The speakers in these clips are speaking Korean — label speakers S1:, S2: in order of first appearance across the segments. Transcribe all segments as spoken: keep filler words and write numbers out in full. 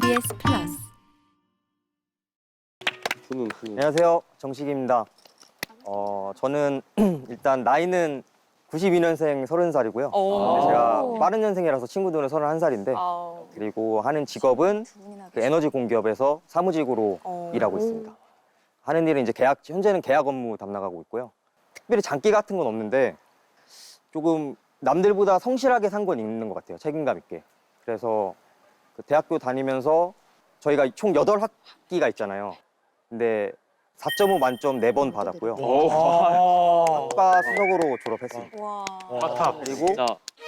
S1: 지비에스 플러스.
S2: 안녕하세요, 정식입니다. 어, 저는 일단 나이는 구십이 년생 서른 살이고요. 제가 빠른 년생이라서 친구들은 서른한 살인데 그리고 하는 직업은 그 에너지 공기업에서 사무직으로 일하고 있습니다. 하는 일은 이제 계약, 현재는 계약 업무 담당하고 있고요. 특별히 장기 같은 건 없는데 조금 남들보다 성실하게 산 건 있는 것 같아요. 책임감 있게. 그래서 그 대학교 다니면서 저희가 총 여덟 학기가 있잖아요. 근데 사 점 오 만점 네 번 받았고요. 학과 수석으로 졸업했습니다.
S3: 와.
S4: 탑.
S2: 그리고
S4: 진짜.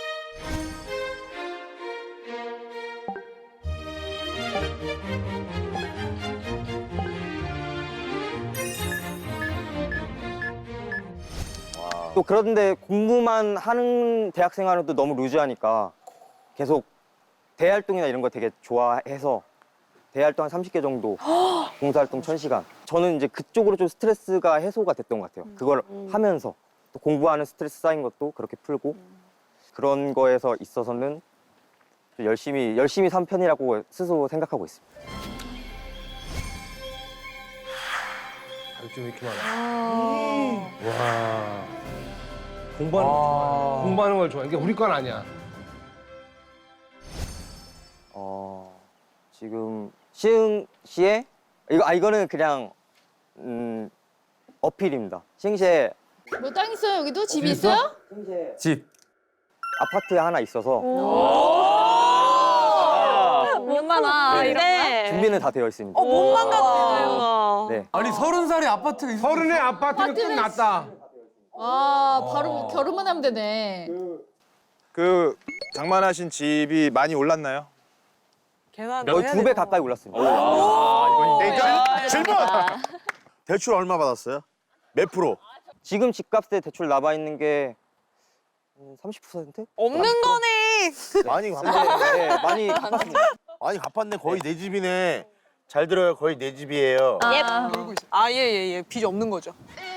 S2: 또 그런데 공부만 하는 대학 생활은 또 너무 루즈하니까 계속 대활동이나 이런 거 되게 좋아해서 대활동 한 삼십 개 정도, 봉사활동 천 시간. 저는 이제 그쪽으로 좀 스트레스가 해소가 됐던 것 같아요. 그걸 하면서 또 공부하는 스트레스 쌓인 것도 그렇게 풀고 그런 거에서 있어서는 좀 열심히 열심히 산 편이라고 스스로 생각하고 있습니다.
S4: 좀 이렇게 많아. 와. 공부하는 걸 좋아해. 공부하는 걸 좋아해. 이게 우리 건 아니야.
S2: 어, 지금 시흥시에 이거 아 이거는 그냥 음, 어필입니다. 시흥시에
S5: 뭐 땅 있어요? 여기도 집이 있어요?
S2: 집 아파트에 하나 있어서
S3: 몸만아
S2: 네.
S3: 이래.
S2: 준비는 다 되어 있습니다.
S3: 어 몸만 같아요.
S2: 네.
S6: 아니 서른 살에 아파트가 있어.
S4: 서른의 아파트는 끝났다.
S5: 아, 바로 결혼만 하면 되네.
S7: 그 장만하신 집이 많이 올랐나요?
S3: 계산
S2: 거의 두 배 가까이 올랐습니다.
S7: 그러니까 질문! 대출 얼마 받았어요? 몇 프로?
S2: 지금 집값에 대출 남아 있는 게 음, 삼십 퍼센트?
S3: 없는 거네.
S7: 많이 갚았네.
S2: 네, 많이 갚았습니다.
S7: 많이 갚았네. 거의 내 집이네. 잘 들어요. 거의 내 집이에요.
S3: 아 예 예 예. 빚이 없는 거죠.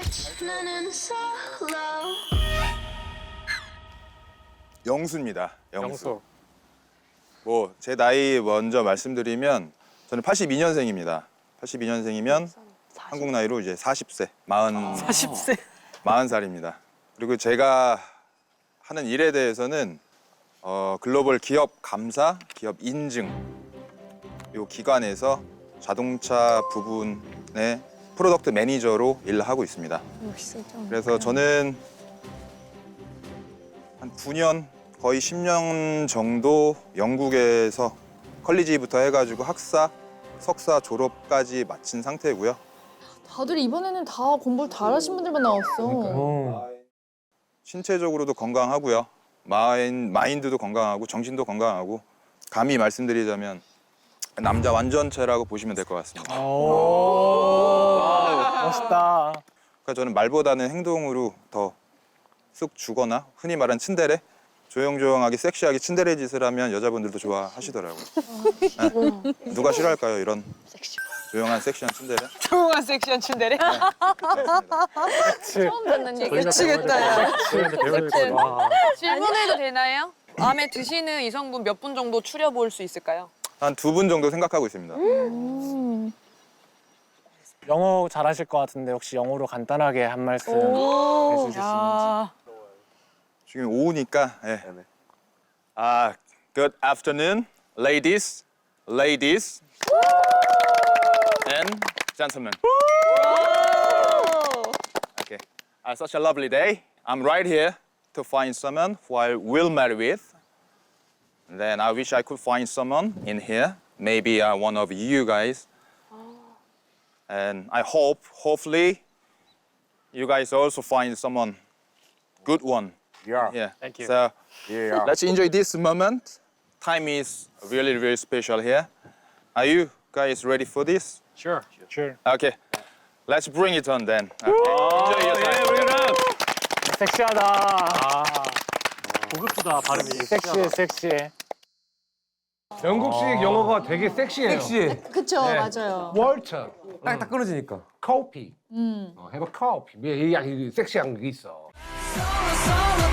S7: 영수입니다. 영수. 뭐 제 나이 먼저 말씀드리면 저는 팔십이 년생입니다. 팔십이 년생이면 한국 나이로 이제 사십 세, 마흔
S3: 사십 세.
S7: 마흔 살입니다. 그리고 제가 하는 일에 대해서는 어, 글로벌 기업 감사, 기업 인증 이 기관에서 자동차 부분의 프로덕트 매니저로 일을 하고 있습니다. 그래서 저는 한 구 년, 거의 십 년 정도 영국에서 컬리지부터 해가지고 학사, 석사 졸업까지 마친 상태고요.
S5: 다들 이번에는 다 공부를 잘하신 분들만 나왔어.
S7: 신체적으로도 건강하고요. 마인, 마인드도 건강하고 정신도 건강하고 감히 말씀드리자면 남자 완전체라고 보시면 될 것 같습니다.
S6: 멋있다.
S7: 그러니까 저는 말보다는 행동으로 더 쑥 주거나 흔히 말하는 츤데레 조용조용하게 섹시하게 츤데레 짓을 하면 여자분들도 좋아하시더라고요. 네. 누가 싫어할까요? 이런 조용한 섹시한 츤데레?
S3: 조용한 섹시한 춘대래.
S5: 처음 듣는 얘기.
S3: 미치겠다 야.
S6: 와.
S3: 질문해도 되나요? 마음에 드시는 이성분 몇 분 정도 추려볼 수 있을까요?
S7: 한 두 분 정도 생각하고 있습니다.
S6: 영어 잘하실 것 같은데 혹시 영어로 간단하게 한 말씀 해주실 수 있는지.
S3: 야.
S7: 지금 오후니까. 예. 아, good afternoon, ladies, ladies, and gentlemen. Okay, uh, such a lovely day. I'm right here to find someone who I will marry with. And then I wish I could find someone in here, maybe uh, one of you guys. And I hope, hopefully, you guys also find someone good one.
S6: Yeah.
S7: Yeah.
S6: Thank you.
S7: So
S6: Yeah.
S7: let's enjoy this moment. Time is really, really special here. Are you guys ready for this?
S6: Sure. Sure.
S7: Okay. Let's bring it on then. Okay. Enjoy your time.
S6: 섹시하다. 아. 고급지다 발음이. 섹시해, 섹시해.
S4: 영국식 영어가 되게 섹시해요. 섹시해.
S5: 그쵸,
S4: 네.
S5: 맞아요.
S4: 월터,
S6: 딱딱 끊어지니까.
S4: 커피.
S5: 음.
S4: 어, 해봐 커피. 이 섹시한 게 있어.
S1: solo, solo.